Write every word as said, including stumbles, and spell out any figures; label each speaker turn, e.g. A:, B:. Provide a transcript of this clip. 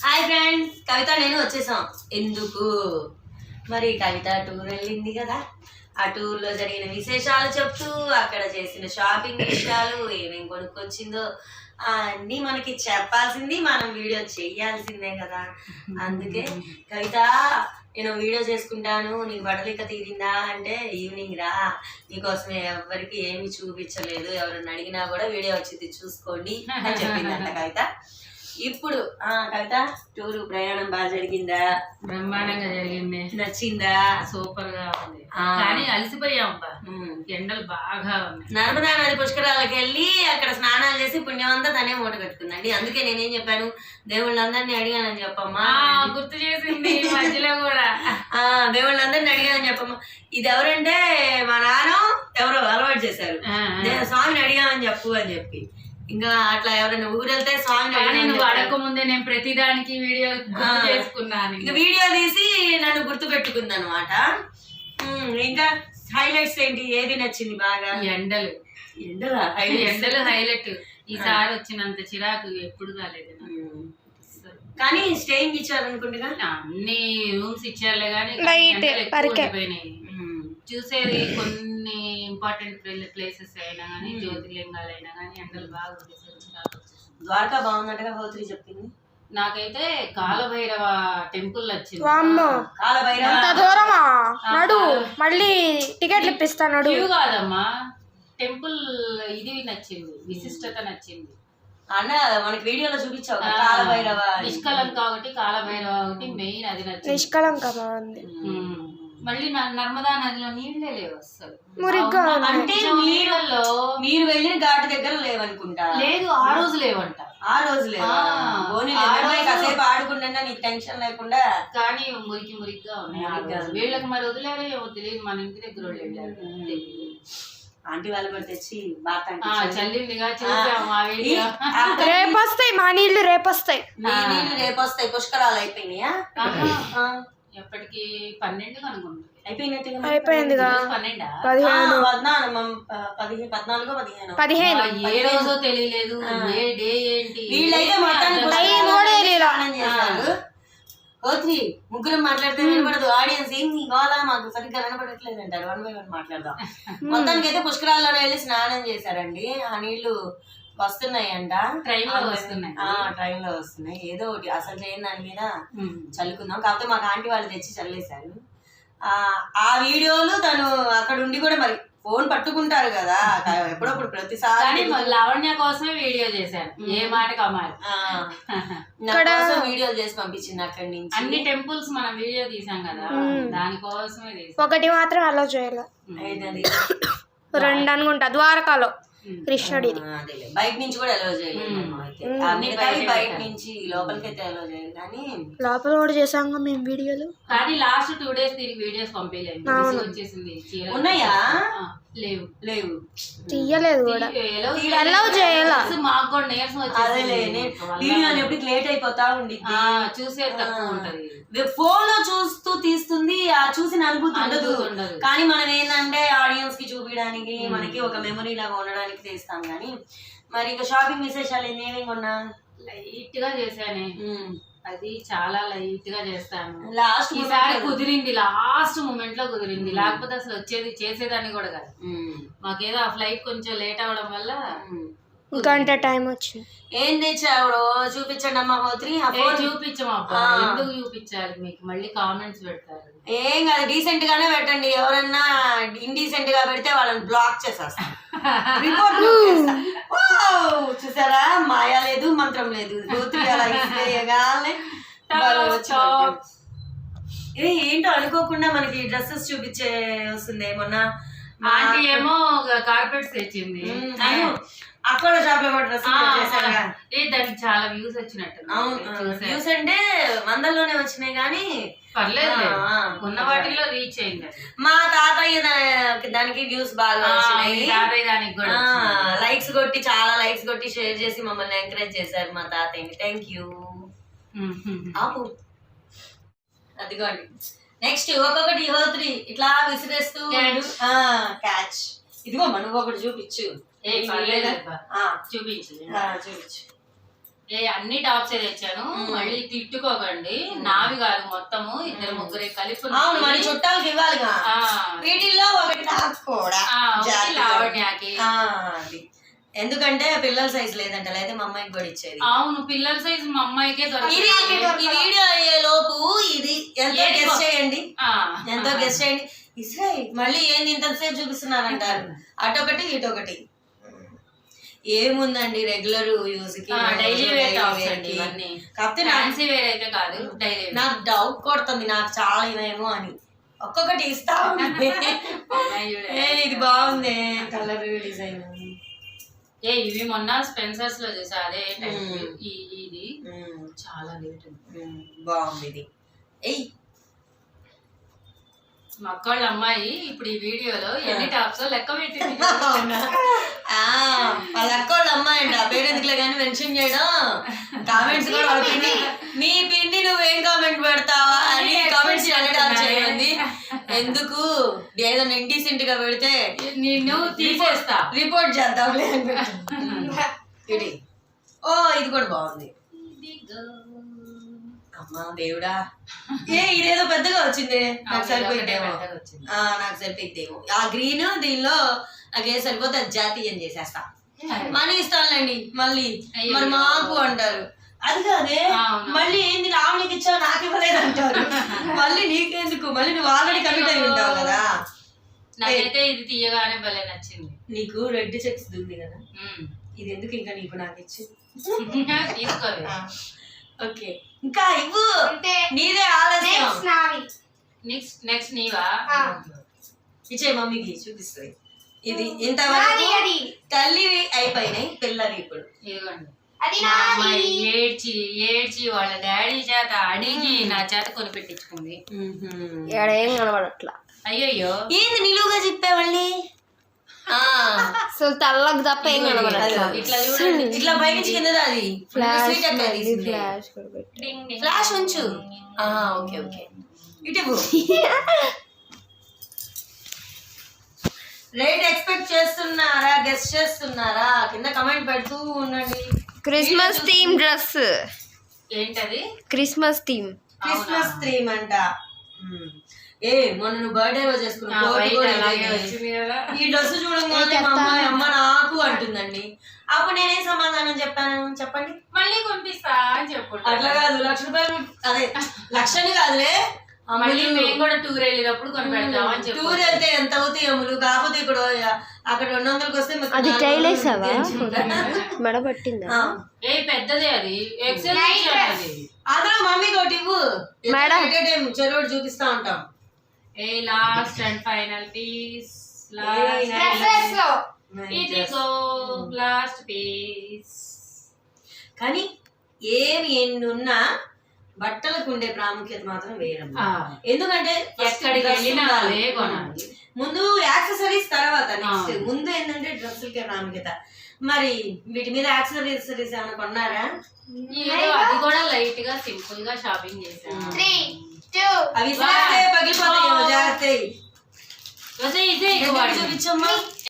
A: Hi friends, కవిత నేను వచ్చేసాం. ఎందుకు మరి కవిత టూర్ వెళ్ళింది కదా, ఆ టూర్లో జరిగిన విశేషాలు చెప్తూ అక్కడ చేసిన షాపింగ్ విషయాలు ఏమేమి కొనుక్కొచ్చిందో అన్నీ మనకి చెప్పాల్సింది, మనం వీడియో చేయాల్సిందే కదా. అందుకే కవిత నేను వీడియో చేసుకుంటాను, నీకు బట్టలిక తీరిందా అంటే ఈవినింగ్ రా, నీకోసమే ఎవరికి ఏమి చూపించలేదు, ఎవరన్నా అడిగినా కూడా వీడియో వచ్చింది చూసుకోండి అని చెప్పిందంట కవిత. ఇప్పుడు ఆ కవిత టూరు ప్రయాణం బాగా జరిగిందా?
B: బ్రహ్మాండంగా జరిగింది.
A: నచ్చిందా?
B: సూపర్ గా ఉంది. కానీ అలసిపోయాం, ఎండలు బాగా ఉన్నాయి.
A: నర్మదా నది పుష్కరాలకు వెళ్ళి అక్కడ స్నానాలు చేసి పుణ్యం అంతా తనే మూట కట్టుకుందండి. అందుకే నేనేం చెప్పాను, దేవుళ్ళందరినీ అడిగానని చెప్పమ్మా.
B: గుర్తు చేసింది మధ్యలో కూడా.
A: ఆ దేవుళ్ళందరినీ అడిగానని చెప్పమ్మా. ఇది ఎవరంటే మా నాన్న ఎవరో అలవాటు చేశారు, స్వామిని అడిగామని చెప్పు అని చెప్పి. ఇంకా అట్లా ఎవరైనా ఊరు వెళ్తే స్వామిని
B: నువ్వు అడగక ముందే నేను ప్రతిదానికి వీడియో చేసుకున్నాను.
A: ఇంకా వీడియో తీసి నన్ను గుర్తు పెట్టుకుంది అనమాట. ఇంకా హైలైట్స్ ఏంటి, ఏది నచ్చింది బాగా?
B: ఎండలు.
A: ఎండలు
B: ఎండలు హైలైట్. ఈసారి వచ్చినంత చిరాకు ఎప్పుడు కాలేదు.
A: కానీ స్టేయింగ్ ఇచ్చారు అనుకుంటున్నా,
B: అన్ని రూమ్స్ ఇచ్చారులే కానీ పోయినాయి. చూసేది కొన్ని ఇంపార్టెంట్ ప్లేసెస్ అయినా కానీ, జ్యోతిర్లింగాలు అయినా కానీ ఎండలు బాగా.
A: ద్వారకా బాగుందంటగా హోత్రి చెప్పింది.
B: నాకైతే కాలభైరవ టెంపుల్ నచ్చింది.
C: మళ్ళీ టికెట్లు ఇప్పిస్తాను
B: కాదమ్మా, టెంపుల్ ఇది నచ్చింది, విశిష్టత నచ్చింది.
A: అన్న మనకి వీడియోలో చూపించావు కాలభైరవ.
B: నిష్కలంక ఒకటి, కాలభైరవ ఒకటి మెయిన్, అది నచ్చింది.
C: నిష్కలంక బాగుంది.
B: మళ్ళీ నర్మదా నదిలో నీళ్ళే లేవు అసలు.
A: అంటే నీళ్ళలో మీరు వెళ్ళిన ఘాటు దగ్గర లేవనుకుంటా.
B: లేదు, ఆ రోజు లేవంట.
A: ఆ రోజు లేవా? కాసేపు ఆడుకుంటా నీకు టెన్షన్ లేకుండా. కానీ
B: మురికి మురికిగా ఉన్నాయి. వీళ్ళకి మరి వదిలేరో ఏమో తెలియదు, మన ఇంటి దగ్గర వాళ్ళు వెళ్ళారు.
A: ఆంటీ వాళ్ళు కూడా తెచ్చి బాత్
B: చల్లిందిగా చూసాము.
C: రేపొస్తాయి మా నీళ్లు, రేపొస్తాయి
A: నీళ్లు రేపొస్తాయి. పుష్కరాలు అయిపోయినాయా?
B: ఎప్పటికి పన్నెండు అనుకుంటా.
C: అయిపోయిందిగా.
A: పదిహేను పద్నాలుగు పదిహేను
B: పదిహేను ఏ రోజో తెలియలేదు.
A: వీళ్ళైతే మొత్తానికి ఓత్రి ముగ్గురం మాట్లాడితే వినపడదు. ఆడియన్స్ ఏం ఇవాళ మాకు సరిగ్గా వినపడట్లేదు అంటారు. వన్ బై వన్ మాట్లాడదాం. మొత్తానికి అయితే పుష్కరాల్లో వెళ్ళి స్నానం చేశారండి. ఆ నీళ్లు వస్తున్నాయి అంట,
B: ట్రైన్ లో వస్తున్నాయి.
A: ట్రైన్ లో వస్తున్నాయి. ఏదో ఒకటి అసలు చేయని దాని మీద చల్లుకుందాం. కాకపోతే మాకు ఆంటీ వాళ్ళు తెచ్చి చల్లేశారు. ఆ ఆ వీడియోలు తను అక్కడ ఉండి కూడా మరి ఫోన్ పట్టుకుంటారు కదా ఎప్పుడప్పుడు ప్రతిసారి.
B: లావణ్య కోసమే వీడియో చేశాను, ఏ మాటకి అమ్మాయి
A: వీడియోలు చేసి పంపించింది అక్కడి నుంచి.
B: అన్ని టెంపుల్స్ మనం వీడియో తీసాం కదా, దానికోసమే తీసాం.
C: ఒకటి మాత్రం అలా చేయాలి, రెండు అనుకుంటా ద్వారకాలో కృష్ణుడి.
A: బయట నుంచి కూడా అలౌ చేయలేదు, బయట నుంచి లోపలికి అయితే అలౌ చేయలేదు. కానీ
C: లోపల కూడా చేసాం మేము వీడియోలు.
B: కానీ లాస్ట్ టూ డేస్ తిరిగి వీడియోస్ పంపించలేదు, వచ్చేసింది.
A: ఉన్నాయా?
B: లేవు లేవు
C: తీయలేదు కూడా, అలౌ చేయాలి.
B: మాకు కూడా నీరసం వచ్చేసింది.
A: వీడియో ఎప్పుడు లేట్ అయిపోతా ఉండి
B: చూసేది తక్కువ ఉంటది.
A: ఫోన్ లో చూస్తూ తీస్తుంది, ఆ చూసిన అనుభూతి ఉండదు. కానీ మనం ఏంటంటే ఆడియన్స్ కి చూపించడానికి, మనకి ఒక మెమరీ లాగా ఉండడానికి తీస్తాం. కానీ మరి ఇంకా షాపింగ్ విశేషాలు ఏమేమి కొన్నా?
B: లైట్ గా చేశాను, అది చాలా లైట్ గా చేస్తాను. లాస్ట్ ఈసారి కుదిరింది, లాస్ట్ మూమెంట్ లో కుదిరింది. లేకపోతే అసలు వచ్చేది చేసేదాన్ని కూడా కాదు. మాకేదో ఆ ఫ్లైట్ కొంచెం లేట్ అవడం వల్ల
C: గంట టైం వచ్చింది.
A: ఏం తెచ్చావు చూపించండి అమ్మా హోత్రి.
B: చూపించమా, ఎందుకు చూపించాలి మీకు? మళ్ళీ కామెంట్స్ పెడతారు.
A: ఏం కాదు, డీసెంట్ గానే పెట్టండి. ఎవరన్నా ఇండీసెంట్ గా పెడితే వాళ్ళని బ్లాక్ చేసేస్తా. చూసారా, మాయా లేదు మంత్రం లేదు. హోత్రి అలా ఇది ఏంటో అనుకోకుండా మనకి డ్రెస్సెస్ చూపించే వస్తుంది. మొన్న
B: ఆంటీ ఏమో కార్పెట్స్ తెచ్చింది,
A: అక్కడ షాప్ లో కూడా డ్రెస్
B: దానికి చాలా వ్యూస్ వచ్చినట్టు.
A: వ్యూస్ అంటే వందల్లోనే వచ్చినాయి కానీ
B: పర్లేదు, ఉన్న వాటిలో రీచ్ అయింది.
A: మా తాతయ్య దానికి వ్యూస్ బాగా వచ్చినాయి.
B: దానికి కూడా
A: లైక్స్ కొట్టి, చాలా లైక్స్ కొట్టి షేర్ చేసి మమ్మల్ని ఎంకరేజ్ చేశారు మా తాతయ్యని. Thank you. అదిగోండి, నెక్స్ట్ ఒక్కొక్కటి హోత్రి ఇట్లా విసిరేస్తూ క్యాచ్. ఇదిగో మనం ఒకటి చూపించు.
B: చూపించు చూపించు ఏ అన్ని టాప్స్ తెచ్చాను, మళ్ళీ తిట్టుకోకండి, నావి కాదు మొత్తము ఇద్దరు ముగ్గురే కలిపి
A: అవును మరి చుట్టాలకి ఇవ్వాలిగా, వీటిల్లో ఒకటి నాకు కూడా
B: లావణ్యకి.
A: అది ఎందుకంటే పిల్లల సైజ్ లేదంట, లేదా మా అమ్మాయికి కూడా ఇచ్చేది.
B: అవును పిల్లల సైజ్ మా అమ్మాయికే దొరకదు.
A: ఈ వీడియో అయ్యే లోపు ఇది ఎంతో గెస్ చేయండి, ఎంతో గెస్ చేయండి. ఇస్రాయి మళ్ళీ ఏంది ఇంతసేపు చూపిస్తున్నారంటారు, అటొకటి ఇటొకటి. ఏముందండి రెగ్యులర్ యూజ్ కి,
B: డైలీ వేర్ టాప్స్ అండి ఇవన్నీ. కాకపోతే ఫ్యాన్సీ వేర్ అయితే కాదు, డైలీ.
A: నాకు డౌట్ కొడుతుంది నాకు చాలా ఇవేమో అని, ఒక్కొక్కటి ఇస్తా ఇది బాగుంది కలర్ డిజైన్.
B: ఏ ఇవి మొన్న స్పెన్సర్స్ లో చూసా, అదే ఇది చాలా రేట్
A: బాగుంది ఇది. ఎయ్
B: మా అక్కోళ్ళ అమ్మాయి ఇప్పుడు ఈ వీడియోలో ఎన్ని టాప్స్ లెక్క పెట్టింది.
A: వాళ్ళ అక్కోళ్ళ అమ్మాయి అండి, ఆ పేరు ఎందుకులే కానీ మెన్షన్ చేయడం. కామెంట్స్ కూడా వాళ్ళ పిండి, నీ పిండి నువ్వేం కామెంట్ పెడతావా అని కామెంట్స్ అనడం చేయండి. ఎందుకు ఏదైనా ఇండీసెంట్ గా పెడితే
B: నిన్ను తీసేస్తా,
A: రిపోర్ట్ చేద్దాంలే అని పెట్టి. ఓ ఇది కూడా బాగుంది. అమ్మా దేవుడా, ఏ ఇదేదో పెద్దగా వచ్చింది, నాకు సరిపోయిద్దేమో, నాకు సరిపోయిద్దేమో. ఆ గ్రీన్ దీనిలో నాకే సరిపోతే అది జాతీయం చేసేస్తా. మనీ ఇస్తానులేండి మళ్ళీ, మరి మాకు అంటారు. అది కాదే మళ్ళీ ఏంది రావణికి ఇచ్చావు నాకు ఇవ్వలేదు అంటారు. మళ్ళీ నీకెందుకు, మళ్ళీ నువ్వు ఆల్రెడీ కమిట్ అయి ఉంటావు కదా.
B: నాకైతే ఇది తీయగానే భలే నచ్చింది.
A: నీకు రెడ్ చెక్స్ ఉంది కదా, ఇది ఎందుకు ఇంకా నీకు నాకు ఇచ్చి
B: తీసుకోవాలి.
A: ఓకే ఇంకా ఇవ్వు, నీదే ఆలస్యం.
B: నెక్స్ట్ నెక్స్ట్ నీవా,
A: ఇచ్చే మమ్మీకి చూపిస్తుంది. ఇది ఇంతవరకు తల్లివి అయిపోయినాయి, పిల్లవి ఇప్పుడు.
B: ఇదిగోండి అమ్మాయి ఏడ్చి ఏడ్చి వాళ్ళ డాడీ చేత అడిగి నా చేత కొనిపెట్టించుకుంది.
C: ఏం కనబడట్లా.
B: అయ్యయ్యో
A: ఏంది నిలువుగా చెప్పావల్లి,
C: అసలు తల్లకు తప్ప ఏం కనబడట్లా.
A: ఇట్లా చూడండి, ఇట్లా పైకి కింద అది ఫ్లాష్ ఉంచు. ఓకే ఓకే ఇటు రేట్ ఎక్స్పెక్ట్ చేస్తున్నారా, గెస్ట్ చేస్తున్నారా, కింద కమెంట్ పెడుతూ ఉండండి.
C: క్రిస్మస్ థీమ్ డ్రెస్,
B: ఏంటది
C: క్రిస్మస్ థీమ్,
A: క్రిస్మస్ థీమ్ అంట. ఏ మొన్న నువ్వు బర్త్డే రోజు చేసుకున్నావు, ఈ డ్రెస్ చూడంగానే మా అమ్మాయి అమ్మ నాకు అంటుందండి. అప్పుడు నేనేం సమాధానం చెప్పాను చెప్పండి.
B: మళ్ళీ కొనిపిస్తా అని చెప్పు.
A: అట్లా కాదు, లక్ష రూపాయలు అదే లక్షని కాదులే,
B: మళ్ళీ మేము కూడా టూర్ వెళ్ళేటప్పుడు కొని పెడతాం అని చెప్పి.
A: టూర్ వెళ్తే ఎంత అవుతాయి అమ్ములు, కాకపోతే ఇక్కడ అక్కడ రెండు వందలకి వస్తే
C: అది టైలేసావా మెడ పట్టిందా?
B: ఏ పెద్దదే అది, ఎక్సెల్ అది.
A: అందులో మమ్మీకి ఒకటి ఇవ్వు, చెరువు చూపిస్తా ఉంటాం.
B: ఏ last and final piece, last piece.
A: కానీ ఏమి ఎన్ని ఉన్నా బట్టలకు ఉండే ప్రాముఖ్యత మాత్రం వేరమ్మా. ఎందుకంటే
B: ఎక్కడికి వెళ్ళినా కొనాలి,
A: ముందు యాక్సెసరీస్ తర్వాత నెక్స్ట్, ముందు ఏంటంటే డ్రెస్సులకే ప్రాముఖ్యత. మరి వీటి మీద యాక్సెసరీస్ ఏమైనా కొన్నారా?
B: అది కూడా లైట్ గా సింపుల్ గా షాపింగ్ చేశాను.
A: అవి పగిలిపోతాయేమో జాగ్రత్త.
B: చూపించమ్మా.